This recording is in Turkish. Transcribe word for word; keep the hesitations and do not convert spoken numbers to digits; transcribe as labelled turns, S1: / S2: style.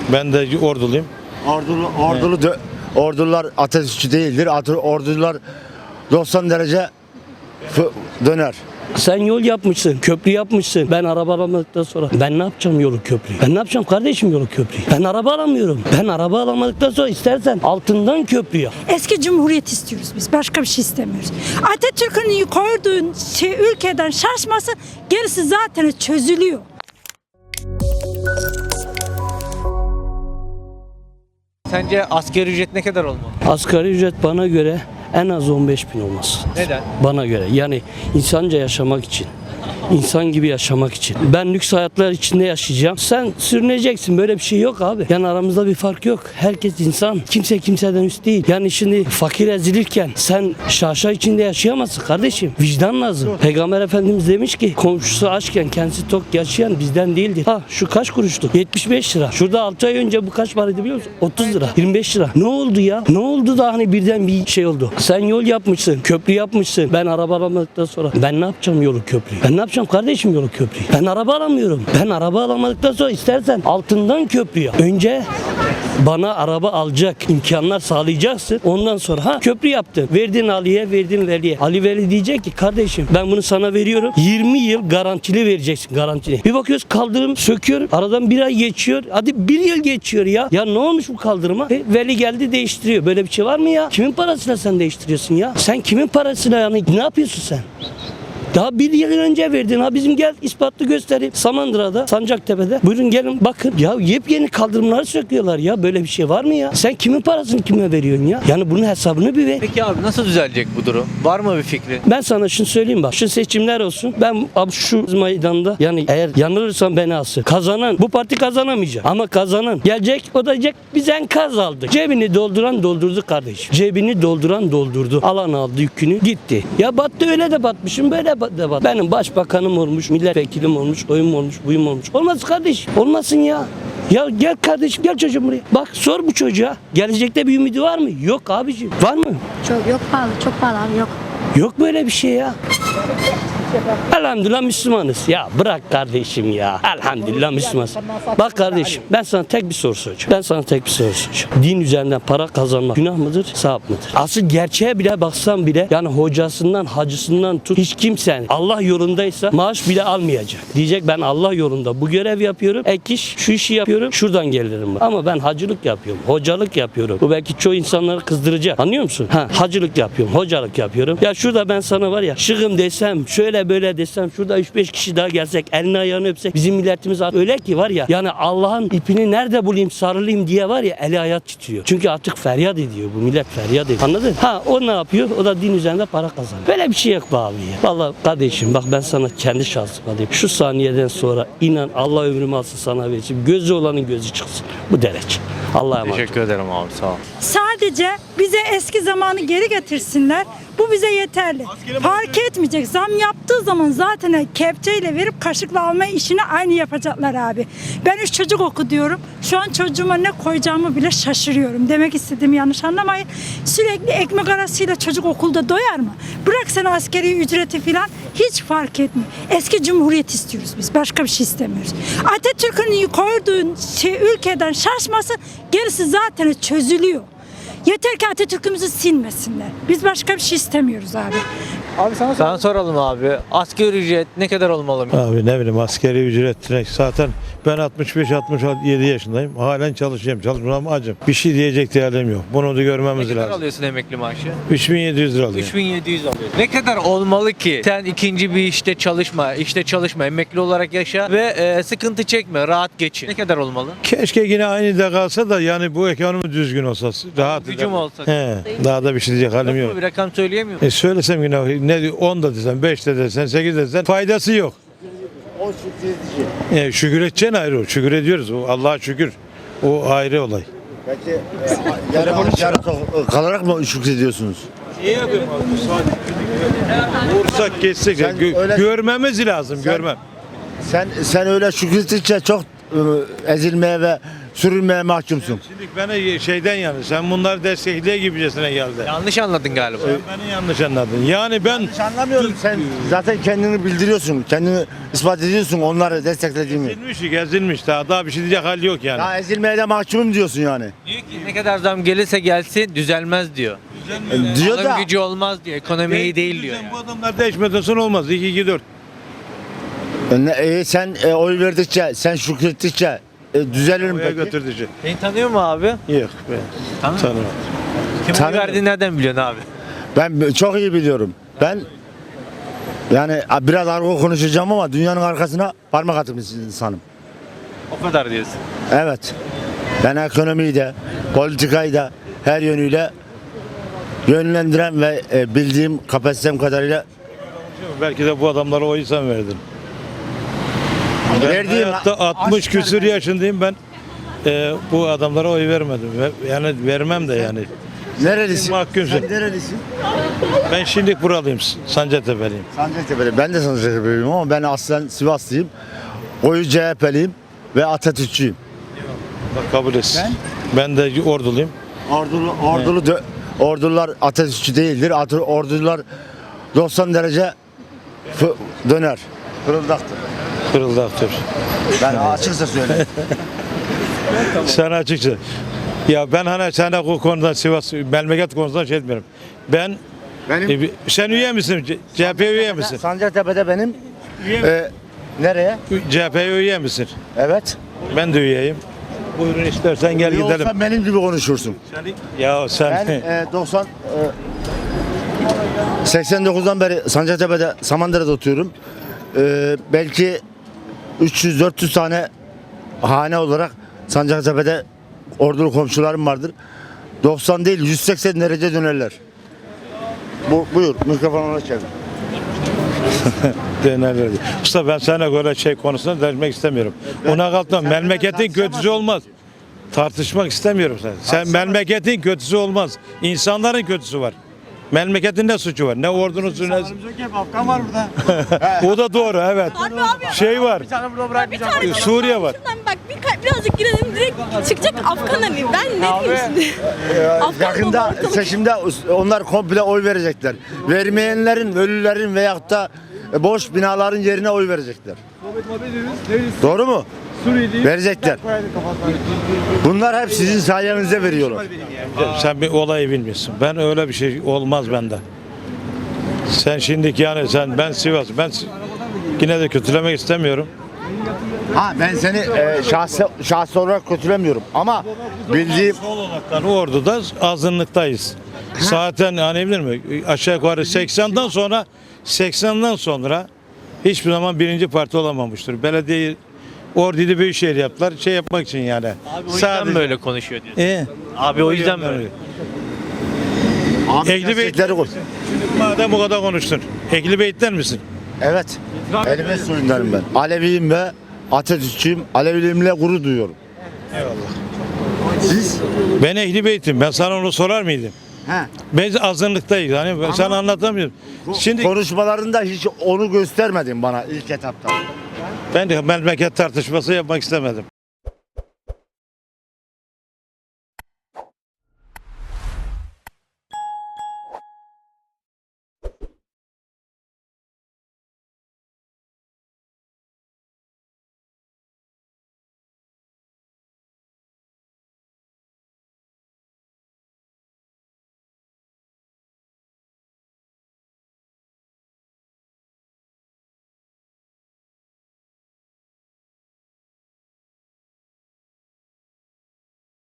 S1: Ben de orduluyum.
S2: Ordulu, ordulu dö- ordular ateşçi değildir. Atı- Ordular doksan derece fı- döner.
S3: Sen yol yapmışsın, köprü yapmışsın. Ben araba alamadıktan sonra ben ne yapacağım yolu köprüyü? Ben ne yapacağım kardeşim yolu köprüyü? Ben araba alamıyorum. Ben araba alamadıktan sonra istersen altından köprü yap.
S4: Eski cumhuriyet istiyoruz biz. Başka bir şey istemiyoruz. Atatürk'ün koyduğu şey ülkeden şaşması, gerisi zaten çözülüyor.
S5: Sence asgari ücret ne kadar olmalı?
S3: Asgari ücret bana göre en az on beş bin olması.
S5: Neden?
S3: Bana göre yani insanca yaşamak için. İnsan gibi yaşamak için. Ben lüks hayatlar içinde yaşayacağım. Sen sürüneceksin. Böyle bir şey yok abi. Yani aramızda bir fark yok. Herkes insan. Kimse kimseden üst değil. Yani şimdi fakir ezilirken sen şaşa içinde yaşayamazsın kardeşim. Vicdan lazım. Peygamber Efendimiz demiş ki komşusu açken kendisi tok yaşayan bizden değildir. Ha şu kaç kuruşluk? yetmiş beş lira. Şurada altı ay önce bu kaç paraydı biliyor musun? otuz lira. yirmi beş lira. Ne oldu ya? Ne oldu da hani birden bir şey oldu? Sen yol yapmışsın. Köprü yapmışsın. Ben araba alamadıktan sonra ben ne yapacağım yolu köprüyü? Ben ne yapacağım kardeşim yolu köprüyü? Ben araba alamıyorum. Ben araba alamadıktan sonra istersen altından köprü yap. Önce bana araba alacak imkanlar sağlayacaksın. Ondan sonra ha köprü yaptın. Verdin Ali'ye, verdin Veli'ye. Ali Veli diyecek ki kardeşim ben bunu sana veriyorum. yirmi yıl garantili vereceksin, garantili. Bir bakıyoruz kaldırım söküyor. Aradan bir ay geçiyor. Hadi bir yıl geçiyor ya. Ya ne olmuş bu kaldırıma? E, Veli geldi değiştiriyor. Böyle bir şey var mı ya? Kimin parasıyla sen değiştiriyorsun ya? Sen kimin parasıyla yani ne yapıyorsun sen? Daha bir yıl önce verdin ha bizim gel ispatlı göstereyim. Samandıra'da, Sancaktepe'de. Buyurun gelin bakın. Ya yepyeni kaldırımları söküyorlar ya. Böyle bir şey var mı ya? Sen kimin parasını kime veriyorsun ya? Yani bunun hesabını bir ver.
S5: Peki abi nasıl düzelecek bu durum? Var mı bir fikri?
S3: Ben sana şunu söyleyeyim bak. Şu seçimler olsun. Ben abi şu meydanda yani eğer yanılırsam beni alsın. Kazanan bu parti kazanamayacak. Ama kazanan gelecek o da diyecek biz enkaz aldık. Cebini dolduran doldurdu kardeşim. Cebini dolduran doldurdu. Alan aldı yükünü gitti. Ya battı öyle de batmışım böyle de bat. Benim başbakanım olmuş, milletvekilim olmuş, oyum olmuş, buyum olmuş. Olmaz kardeşim. Olmasın ya. Ya gel kardeşim gel çocuğum buraya. Bak sor bu çocuğa. Gelecekte bir ümidi var mı? Yok abiciğim. Var mı?
S6: Çok yok pahalı, çok pahalı abi yok.
S3: Yok böyle bir şey ya. Elhamdülillah Müslümanız. Ya bırak kardeşim ya. Elhamdülillah Müslümanız. Bak kardeşim ben sana tek bir soru soracağım. Ben sana tek bir soru soracağım. Din üzerinden para kazanmak günah mıdır, sevap mıdır? Asıl gerçeğe bile baksan bile yani hocasından, hacısından tut hiç kimsen Allah yolundaysa maaş bile almayacak. Diyecek ben Allah yolunda bu görev yapıyorum. Ek iş, şu işi yapıyorum. Şuradan gelirim. Ama ben hacılık yapıyorum. Hocalık yapıyorum. Bu belki çoğu insanları kızdıracak. Anlıyor musun? Ha, hacılık yapıyorum. Hocalık yapıyorum. Ya şurada ben sana var ya şığım desem şöyle böyle desem şurada üç beş kişi daha gelsek elini ayağını öpsek bizim milletimiz öyle ki var ya yani Allah'ın ipini nerede bulayım sarılayım diye var ya eli ayağı titriyor. Çünkü artık feryat ediyor bu millet feryat ediyor. Anladın? Ha o ne yapıyor? O da din üzerinde para kazanıyor. Böyle bir şey yok be abi ya. Vallahi kardeşim bak ben sana kendi şahsıma diyeyim. Şu saniyeden sonra inan Allah ömrümü alsın sana versin. Gözü olanın gözü çıksın. Bu derece. Allah'a emanet.
S5: Teşekkür ederim abi sağ ol.
S4: Sadece bize eski zamanı geri getirsinler. Bu bize yeterli. Fark etmeyecek. Zam yaptığı zaman zaten kepçeyle verip kaşıkla alma işini aynı yapacaklar abi. Ben üç çocuk oku diyorum. Şu an çocuğuma ne koyacağımı bile şaşırıyorum. Demek istediğimi yanlış anlamayın. Sürekli ekmek arasıyla çocuk okulda doyar mı? Bırak sen askeri ücreti falan hiç fark etmiyor. Eski cumhuriyet istiyoruz biz. Başka bir şey istemiyoruz. Atatürk'ün koyduğu şey ülkeden şaşması, gerisi zaten çözülüyor. Yeter ki Atatürk'ümüzü silmesinler. Biz başka bir şey istemiyoruz abi.
S5: Abi sana, sana soralım abi. Asgari ücret ne kadar olmalı?
S1: Abi ne bileyim askeri ücret zaten ben altmış beş altmış yedi yaşındayım. Halen çalışıyorum. Çalışmam acım. Bir şey diyecek değerlim yok. Bunu da görmemiz
S5: Ne kadar
S1: lazım.
S5: alıyorsun emekli maaşı?
S1: üç bin yedi yüz lira alıyorum.
S5: üç bin yedi yüz alıyorsun. Ne kadar olmalı ki sen ikinci bir işte çalışma, işte çalışma, emekli olarak yaşa ve e, sıkıntı çekme, rahat geçin. Ne kadar olmalı?
S1: Keşke yine aynı da kalsa da yani bu ekonomi düzgün olsa. Rahat
S5: Gücüm
S1: eder.
S5: olsa.
S1: He, daha da bir şey diyecek halim
S5: Yok
S1: yok.
S5: mu? Bir rakam söyleyemiyor musun?
S1: E söylesem yine ne on da desen, beş de desen, sekiz de desen faydası yok.
S2: O şükredici.
S1: E, şükür edeceksin ayrı o. Şükür ediyoruz. O Allah'a şükür. O ayrı olay.
S2: Peki yarı, yarı kalarak mı şükrediyorsunuz?
S1: İyi yapıyorum abi. Vursak geçsek
S2: Sen
S1: gö-
S2: öyle-
S1: görmemiz lazım.
S2: Sen-
S1: görmem.
S2: Sen sen öyle şükrettikçe çok ıı, ezilmeye ve sürülmeye mahkumsun.
S1: Şimdi beni şeyden yani sen bunları destekliyor gibicesine geldi.
S5: Yanlış anladın galiba.
S1: Sen beni yanlış anladın. Yani ben
S2: Hiç anlamıyorum. Sen zaten kendini bildiriyorsun. Kendini ispat ediyorsun onları desteklediğini.
S1: ezilmiş, ezilmiş daha daha bir şey diyecek hal yok yani.
S2: Ya ezilmeye de mahkumum diyorsun yani.
S5: Diyor ki ne kadar zam gelirse gelsin düzelmez diyor.
S2: Diyor
S5: Alım
S2: da
S5: gücü olmaz diyor. Ekonomi iyi değil diyor.
S1: Sen
S5: Yani.
S1: Bu adamlar değişmeden sonra olmaz. iki iki dört.
S2: ne, e, sen e, oy verdikçe, sen şükrettikçe e, düzelir mi
S1: Oraya
S2: peki?
S1: götürdücü.
S5: Seni tanıyor mu abi?
S1: Yok be.
S5: Tanıyor.
S1: Tanımam.
S5: Kim oy
S2: Tanıyor.
S5: verdiğini nereden biliyorsun abi?
S2: Ben çok iyi biliyorum. Ben yani biraz argo konuşacağım ama dünyanın arkasına parmak atmış insanım.
S5: O kadar diyorsun.
S2: Evet. Ben ekonomiyi de, politikayı da her yönüyle yönlendiren ve e, bildiğim kapasitem kadarıyla
S1: Belki de bu adamlara oyu sen verdin. Ben
S2: verdiğim
S1: hayatta altmış küsür yaşındayım ben. e, bu adamlara oy vermedim. Ve- Yani vermem de yani.
S2: nerelisin?
S1: Mahkumsun.
S2: Sen nerelisin?
S1: Ben şimdi buralıyım. Sancaktepe'liyim.
S2: Sancaktepe'li. Ben de Sancaktepe'liyim ama ben aslen Sivaslıyım. Oyu C H P'liyim ve Atatürkçüyüm.
S1: Bak kabul etsin. Ben de orduluyum.
S2: Ordulu, ordulu dö- ordular Atatürkçü değildir. Atı- Ordular doksan derece fı- döner. Fırıldaktır.
S1: Fırıldaktır.
S2: Ben açıkça söyleyeyim.
S1: Sen açıkça. Ya ben hani sana bu konudan Sivas memleket konusundan şey etmiyorum. Ben
S2: Benim
S1: e, bir- sen üye misin? C- CHP üye misin?
S2: Sancaktepe'de benim
S1: Üye
S2: e, nereye?
S1: C H P üye misin?
S2: Evet.
S1: Ben de üyeyim. Buyurun istersen gel
S2: İyi
S1: gidelim.
S2: olsan benim gibi konuşursun.
S1: Ya sen
S2: Ben e, doksan e, seksen dokuzdan beri Sancaktepe'de Samandıra'da oturuyorum. E, belki üç yüz dört yüz tane hane olarak Sancaktepe'de ordulu komşularım vardır. doksan değil yüz seksen derece dönerler. Bu, buyur mikrofonu ona çevir.
S1: dönerler. Usta ben sana göre şey konusunda dermek istemiyorum. Ona kalkma. Memleketin kötüsü olmaz. Tartışmak istemiyorum sen. Sen memleketin kötüsü olmaz. İnsanların kötüsü var. Memleketin ne suçu var? Ne ordunuzu ne...
S7: Afgan var burada.
S1: O da doğru evet.
S8: Harbi abi.
S1: Şey var.
S8: Bir tane
S1: Suriye var.
S8: Şuradan bak bir ka- birazcık girelim direkt çıkacak Afgan hani ben ne diyeyim şimdi? Afgan
S2: Yakında
S8: dolu ortalık.
S2: seçimde onlar komple oy verecekler. Vermeyenlerin, ölülerin veyahut da boş binaların yerine oy verecekler. Doğru mu? Verecekler. Bunlar hep sizin sayenizde veriyorlar.
S1: Sen bir olayı bilmiyorsun. Ben öyle bir şey olmaz bende. Sen şimdiki yani sen ben Sivas ben Si- yine de kötülemek istemiyorum.
S2: Ha ben seni e, şahsi, şahsi olarak kötülemiyorum ama bildiğim
S1: Sol olaraktan orduda azınlıktayız. Zaten hani bilir mi? Aşağı yukarı seksenden sonra seksenden sonra hiçbir zaman birinci parti olamamıştır. Belediye Ordu'yu büyükşehir yaptılar. Şey yapmak için yani.
S5: Abi o yüzden böyle konuşuyor diyorsun.
S1: E,
S5: Abi o yüzden böyle.
S2: Ahmet
S1: Ehli Beyt-
S2: gerçekleri koy.
S1: madem bu kadar konuştun. Ehli Beyt'ten misin?
S2: Evet. Elime soyunlarım ben. Aleviyim ve Atatürkçüyüm. Aleviliğimle gurur duyuyorum. Siz?
S1: Ben Ehli Beyt'im. Ben sana onu sorar mıydım?
S2: He.
S1: Biz azınlıktayız. Hani ben sana anlatamıyorum. Şimdi
S2: Konuşmalarında hiç onu göstermedin bana ilk etapta.
S1: ben de memleket tartışması yapmak istemedim.